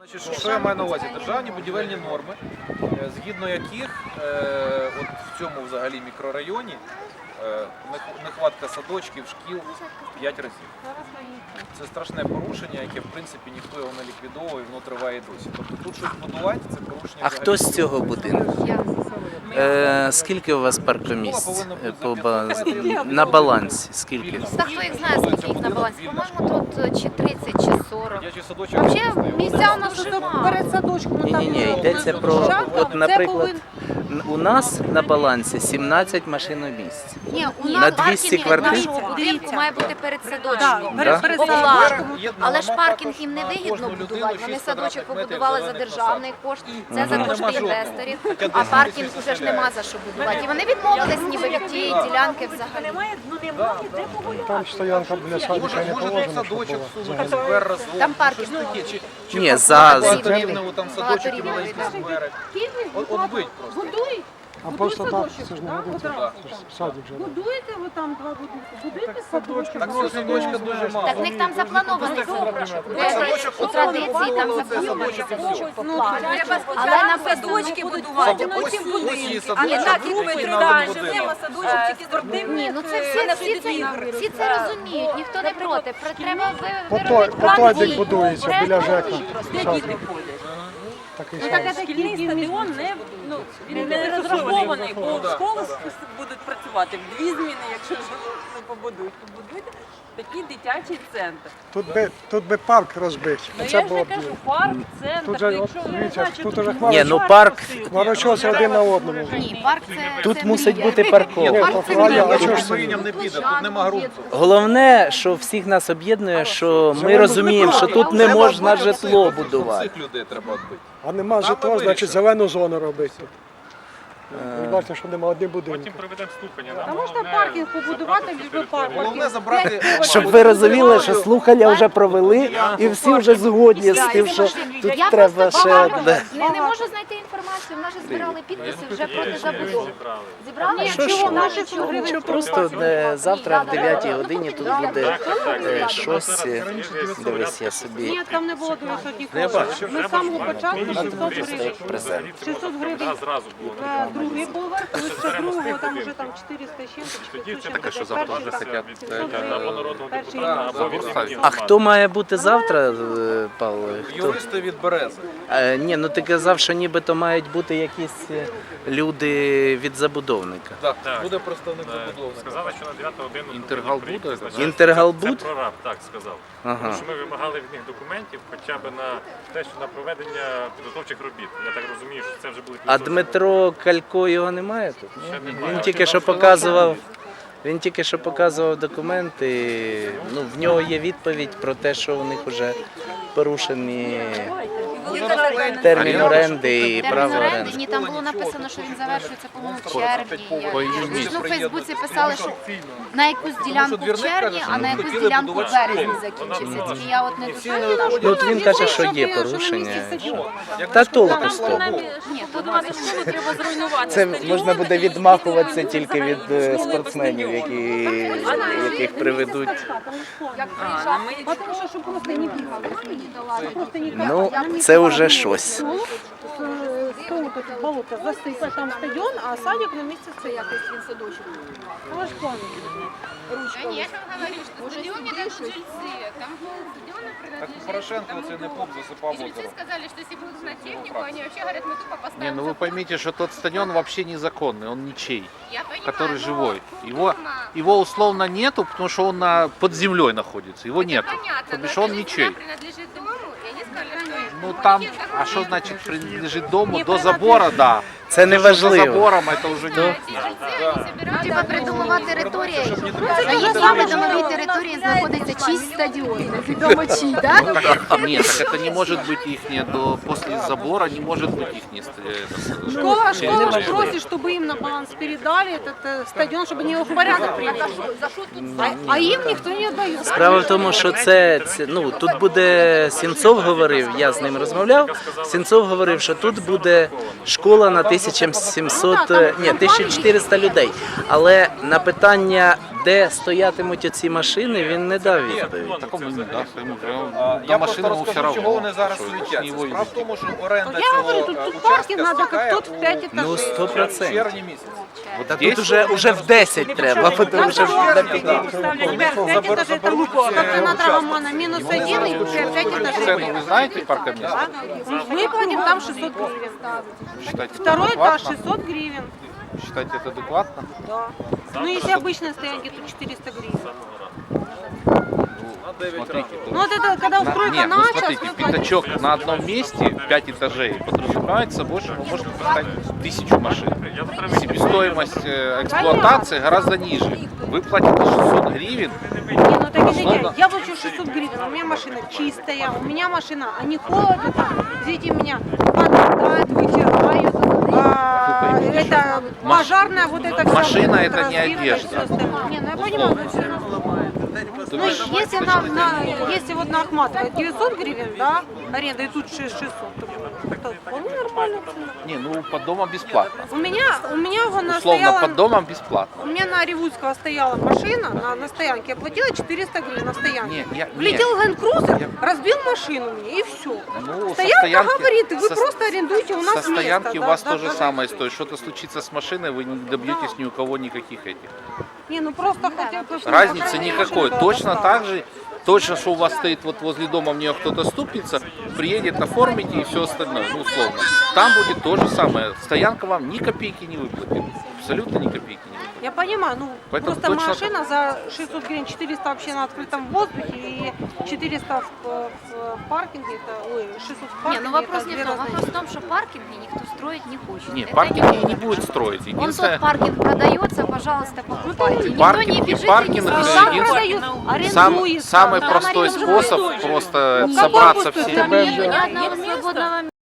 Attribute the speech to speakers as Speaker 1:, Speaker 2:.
Speaker 1: Значить, що я маю на увазі? Державні будівельні норми, згідно яких от в цьому взагалі мікрорайоні нехватка садочків, шкіл 5 разів. Це страшне порушення, яке в принципі ніхто його не ліквідовує, воно триває і досі. Тобто тут щось будувати, це порушення.
Speaker 2: А хто з цього будинку? Скільки у вас паркомісць на балансі? Скільки?
Speaker 3: Та хто їх знає, скільки їх на балансі? По-моєму, тут чи 30, чи 40.
Speaker 1: Дитячий садочок.
Speaker 3: Взагалі місця у нас дуже мало.
Speaker 4: Перед садочком
Speaker 2: Ні, йдеться про, от, наприклад, у нас на балансі 17 машиномісць.
Speaker 3: Ні, у
Speaker 2: На
Speaker 3: нас
Speaker 2: 200
Speaker 3: паркінг
Speaker 2: квартир?
Speaker 3: нашого будинку має бути перед садочком.
Speaker 2: Да?
Speaker 3: Але ж паркінг їм не вигідно будувати. Вони садочок побудували за державний кошт, це за кошти інвесторів, а паркінг вже ж нема за що будувати. І вони відмовились ніби від тієї ділянки взагалі.
Speaker 4: Там стоянка біля садика не положена, щоб
Speaker 1: Садочок
Speaker 4: була.
Speaker 1: всунути сквер разом.
Speaker 3: Там паркінг.
Speaker 2: Ні, за
Speaker 1: Рівнево, там садочок і маленькі сквери. От бить просто.
Speaker 4: А просто так, це ж не годиться.
Speaker 1: Да.
Speaker 4: Це ж садик вже.
Speaker 5: Будуєте ви там два будинки? Будуєте садочок?
Speaker 1: Так цього садочка дуже мало.
Speaker 3: Так в них там запланований у традиції, там запланований садочок поклали. Але на садочки будувати.
Speaker 1: А не так, як ми триваємо.
Speaker 3: Ні, ну це всі це розуміють, ніхто не проти. Треба
Speaker 4: По
Speaker 3: виробити
Speaker 4: той
Speaker 3: план
Speaker 4: дик
Speaker 3: дій.
Speaker 4: будується біля ЖЕКа. Садик.
Speaker 5: Ну
Speaker 4: Такий
Speaker 5: так
Speaker 4: садик.
Speaker 5: шкільний стадіон він не розрахований, бо школи будуть працювати в 2 зміни, якщо не побудують. Побудуйте такий дитячий центр.
Speaker 4: Тут би парк розбити.
Speaker 5: Ну
Speaker 4: Це
Speaker 5: я ж
Speaker 4: було
Speaker 5: не
Speaker 4: б
Speaker 5: кажу,
Speaker 4: діло.
Speaker 5: парк,
Speaker 4: Тут
Speaker 5: центр,
Speaker 4: же,
Speaker 5: якщо ви не
Speaker 4: дивіться,
Speaker 5: знаєте,
Speaker 4: тут
Speaker 5: що
Speaker 4: уже
Speaker 2: Ні, ну парк,
Speaker 4: хмарочоси один на одному.
Speaker 3: Ні, парк це
Speaker 2: тут
Speaker 3: це
Speaker 2: мусить
Speaker 3: мрія.
Speaker 2: бути парковка.
Speaker 4: Ні,
Speaker 3: Парк
Speaker 4: то
Speaker 3: це
Speaker 4: правильно,
Speaker 3: мрія.
Speaker 4: а чого ж це?
Speaker 1: Маріням не піде, тут нема ґрунту.
Speaker 2: Головне, що всіх нас об'єднує, що ми розуміємо, що тут не можна житло будувати.
Speaker 1: Цих людей треба відбити.
Speaker 4: А нема житла, значить зелену зону робити. Ви бачите, що нема одні будинки.
Speaker 6: Потім проведемо слухання.
Speaker 5: Та можна паркінг побудувати, ліжби парк.
Speaker 1: Головне забрати...
Speaker 2: Щоб ви розуміли, що слухання вже провели і всі вже згодні з тим, що тут
Speaker 3: Я
Speaker 2: треба
Speaker 3: просто
Speaker 2: ще
Speaker 3: багато
Speaker 2: одне.
Speaker 3: не можу знайти інформацію. В нас же збирали підписи вже проти забудови. Зібрали?
Speaker 2: Що, що просто завтра в 9 годині тут буде щось. Дивись, я собі
Speaker 5: Ні, там не було 200 коштів. Ми з самого початку 600
Speaker 2: просто
Speaker 5: гривень.
Speaker 2: як презент.
Speaker 5: 600 гривень.
Speaker 6: Зразу було.
Speaker 5: Другий поверх, лише другого, там вже там 400 з чим-то,
Speaker 6: Тоді це
Speaker 5: 500
Speaker 6: таке, що
Speaker 5: чим-то.
Speaker 6: завтра вже
Speaker 5: Перший
Speaker 6: хотять
Speaker 5: там 700 гривень.
Speaker 6: або народного
Speaker 5: Перший
Speaker 6: депутата, або
Speaker 5: рік.
Speaker 6: відставки.
Speaker 2: А хто має бути завтра, Павло? Хто?
Speaker 1: Юристи від Берези.
Speaker 2: Ні, ну ти казав, що нібито мають бути якісь люди від забудовника.
Speaker 1: Так,
Speaker 6: Так.
Speaker 1: буде представник забудовника.
Speaker 6: Сказали, що на 9 годину
Speaker 7: Інтергал буде?
Speaker 2: Інтергал
Speaker 6: Це
Speaker 2: буде?
Speaker 6: прораб, так сказав.
Speaker 2: Ага.
Speaker 6: Тому що ми вимагали від них документів хоча б на те, що на проведення підготовчих робіт. Я так розумію, що це вже були
Speaker 2: А Дмитро Калько його немає тут?
Speaker 6: Ще
Speaker 2: Ні?
Speaker 6: немає.
Speaker 2: Він тільки що показував. Він тільки що показував документи. Ну, в нього є відповідь про те, що у них вже порушені термін оренди і право оренди.
Speaker 3: Ні, там було написано, що він завершується, по-моєму, в червні. Ну, в Фейсбуці писали, що на якусь ділянку в червні, а на якусь ділянку в березні закінчився. Тільки я от не дуже...
Speaker 2: Ну, от він каже, що є порушення. Та толку з того.
Speaker 5: Ні, будувати школу треба зруйнувати.
Speaker 2: Це можна буде відмахуватися тільки від спортсменів, яких приведуть.
Speaker 5: Тому що щоб просто не бігали. Просто не
Speaker 2: Ну, це вже щось.
Speaker 5: Стол тут болото засипе, там стадіон, а садик на місці це якось він садочок. Але ж план.
Speaker 8: Да нет, он говорит, что стадион не дают жильцы. Там стадиона
Speaker 1: Так
Speaker 8: принадлежит
Speaker 1: Порошенко
Speaker 8: тому
Speaker 1: оце не
Speaker 8: дому.
Speaker 1: поп засипав
Speaker 8: И жильцы
Speaker 1: озеро.
Speaker 8: сказали, что если будут на технику, они вообще говорят, мы тупо поставим
Speaker 7: Не, ну вы
Speaker 8: забор.
Speaker 7: поймите, что тот стадион вообще незаконный, он ничей,
Speaker 8: Я понимаю,
Speaker 7: который
Speaker 8: но
Speaker 7: живой.
Speaker 8: форма-
Speaker 7: Его условно нету, потому что он под землей находится, его
Speaker 8: Это
Speaker 7: нету.
Speaker 8: понятно,
Speaker 7: То
Speaker 8: но
Speaker 7: бишь
Speaker 8: эта
Speaker 7: он
Speaker 8: же
Speaker 7: ничей.
Speaker 8: земля принадлежит дому, и они сказали, что
Speaker 7: Ну
Speaker 8: у
Speaker 7: там,
Speaker 8: них есть
Speaker 7: а что
Speaker 8: документы.
Speaker 7: значит принадлежит дому? До забора, да.
Speaker 2: Це не
Speaker 7: За
Speaker 2: важливо.
Speaker 7: забором это уже не...
Speaker 8: Эти жильцы, они собирают...
Speaker 3: Типа придумова територія. А є саме домовій території знаходиться чийсь стадіон. Відомо чий, так?
Speaker 7: Нет, так это не может быть их после забора не может быть их
Speaker 5: Школа ж просит, чтобы им на баланс передали этот стадион, чтобы они его в порядок привели. А им никто не отдает.
Speaker 2: Справа в тому, що ну, тут буде, Сінцов говорив, я з ним розмовляв, Сінцов говорив, що тут буде школа на 1700, ні, 1400 людей. Але на питання, де стоятимуть оці машини, він не дав відповідь.
Speaker 7: Так он и не даст, ему прям
Speaker 1: Я
Speaker 7: до
Speaker 1: просто
Speaker 7: машины ему все
Speaker 1: розкажу, чого
Speaker 7: равно.
Speaker 1: вони зараз
Speaker 7: что с
Speaker 1: суетяться.
Speaker 7: него
Speaker 1: Справа в
Speaker 7: идти.
Speaker 1: тому, що оренда
Speaker 5: Я
Speaker 1: цього
Speaker 5: говорю, тут
Speaker 1: участка
Speaker 5: паркінг надо, як
Speaker 1: стікає
Speaker 5: тут, в 5
Speaker 1: у
Speaker 2: Ну,
Speaker 5: етажів.
Speaker 2: 100%.
Speaker 1: червні місяці.
Speaker 2: Та тут уже в 10 треба, тому що вже
Speaker 5: Ребят, 5 этажей это луко. Как и на Драгомана, минус 1 и 5 этажей.
Speaker 7: Цену вы знаете паркомест?
Speaker 5: Мы платим там 600 гривен.
Speaker 7: Считаете, это
Speaker 5: Второй этаж
Speaker 7: адекватно?
Speaker 5: 600 гривен.
Speaker 7: Считаете, это адекватно?
Speaker 5: Да. Ну, если обычные стоянки, то 400 гривен.
Speaker 7: Смотрите,
Speaker 5: Ну, вот это, когда стройка
Speaker 7: Нет, ну
Speaker 5: началась,
Speaker 7: смотрите,
Speaker 5: вы платите.
Speaker 7: пятачок на одном месте, 5 этажей, подразумевает собой, что вы можете поставить 1000 машин. Себестоимость эксплуатации гораздо ниже. Вы платите 600 гривен.
Speaker 5: Не, ну так извините,
Speaker 7: Условно.
Speaker 5: я плачу 600 гривен, у меня машина чистая, у меня машина, а не холодно, там, извините меня, подметают, вытирают, это пожарная, вот это вся
Speaker 7: Машина
Speaker 5: вот
Speaker 7: это не
Speaker 5: разбивка и
Speaker 7: одежда.
Speaker 5: всё остальное. Не, ну я понимаю, но всё равно. Ну, если вот на Ахматова 900 гривен, да, аренда, и тут 600, то вполне нормально цена.
Speaker 7: Не, ну под домом бесплатно.
Speaker 5: У меня она
Speaker 7: Условно,
Speaker 5: стояла,
Speaker 7: под домом бесплатно.
Speaker 5: у меня на Ревудского стояла машина на стоянке, я платила 400 гривен на стоянке. Влетел Ленд-Крузер, разбил машину мне, и все.
Speaker 7: Ну, со
Speaker 5: Стоянка
Speaker 7: стоянки,
Speaker 5: говорит, вы
Speaker 7: со-
Speaker 5: просто арендуете у нас
Speaker 7: со стоянки
Speaker 5: место.
Speaker 7: у вас то же самое стоит. Что-то случится с машиной, вы не добьетесь ни у кого никаких этих.
Speaker 5: Не, ну просто хотя бы... чтобы
Speaker 7: Разницы
Speaker 5: охрана
Speaker 7: никакой.
Speaker 5: машинка
Speaker 7: Точно
Speaker 5: достала.
Speaker 7: так же, точно, что у вас стоит вот возле дома, в нее кто-то стукнется, приедет, оформите и все остальное, ну условно. Там будет то же самое. Стоянка вам ни копейки не выплатит. Абсолютно ни копейки не выплатит.
Speaker 5: Я понимаю, ну
Speaker 7: Поэтому
Speaker 5: просто
Speaker 7: точно
Speaker 5: машина за 600 гривен, 400 вообще на открытом воздухе и 400 в паркинге, это, ой, 600 в
Speaker 3: Не,
Speaker 5: паркинге.
Speaker 3: ну вопрос
Speaker 5: это
Speaker 3: не
Speaker 5: две
Speaker 3: в том.
Speaker 5: разные
Speaker 3: Вопрос в
Speaker 5: вещи.
Speaker 3: том, что паркинги никто строить не хочет.
Speaker 7: Нет,
Speaker 3: Это
Speaker 7: паркинги
Speaker 3: не
Speaker 7: не будет строить.
Speaker 3: Он
Speaker 7: Единственное,
Speaker 3: тот паркинг продается, пожалуйста, покупайте. Никто
Speaker 7: паркинг-
Speaker 3: не бежит
Speaker 7: паркинг
Speaker 3: и не
Speaker 7: это
Speaker 3: спрашивает.
Speaker 7: единственное-
Speaker 5: Сам продают, арендуется.
Speaker 7: самый
Speaker 3: там
Speaker 7: простой
Speaker 3: арендуют.
Speaker 7: способ просто
Speaker 5: Ну,
Speaker 7: собраться
Speaker 5: какой
Speaker 7: всем.
Speaker 5: пустой?
Speaker 3: Нету ни одного свободного